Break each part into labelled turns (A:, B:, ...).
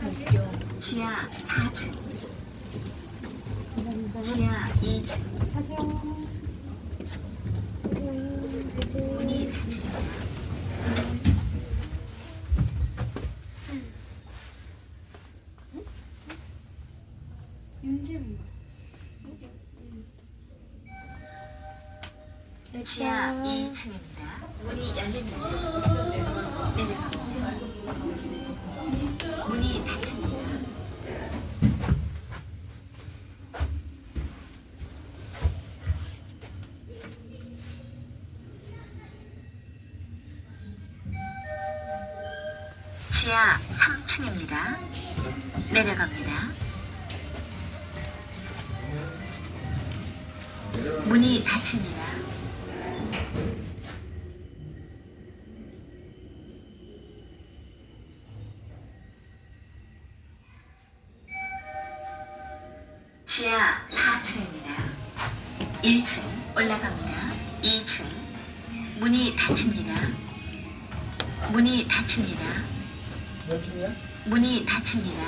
A: 지하 4층, 지하 2층, 문이 닫힙니다.
B: 윤진
A: 지하 2층입니다. 문이 열립니다. 내려갑니다. 문이 닫힙니다. 지하 3층입니다. 내려갑니다. 문이 닫힙니다. 지하 4층입니다. 1층 올라갑니다. 2층 문이 닫힙니다. 문이 닫힙니다.
C: 몇 층이야?
A: 문이 닫힙니다.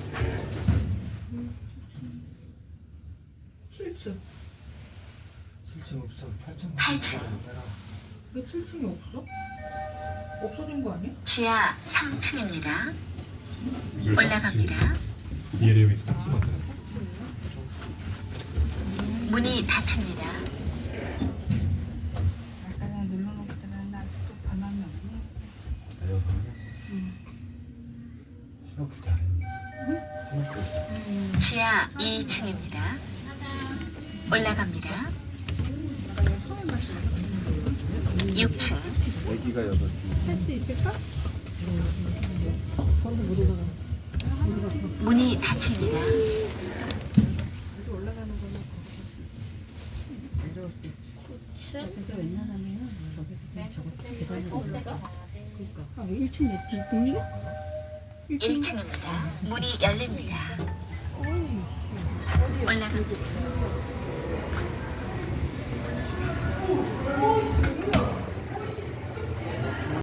B: 7층.
C: 7층 없어. 8층.
A: 8층.
B: 왜 7층이 없어? 없어진 거 아니야?
A: 지하 3층입니다. 올라갑니다.
D: 이해력이 똑같이 만드는
A: 문이 닫힙니다.
B: 아까 나 눌러놓고는 아직도 변함이 없네.
C: 여성이야?
B: 응.
C: 이렇게 잘해. 응?
A: 지하 2층입니다. 올라갑니다. 6층
C: 애기가 8개.
B: 할 수 있을까?
A: 문이 닫힙니다.
B: 올라가는 거는 그래서 웬만하면 저기서 계단을 올라서 그러니까 1층 몇 층이야?
A: 1층입니다. 문이 열립니다. 올라갑니다.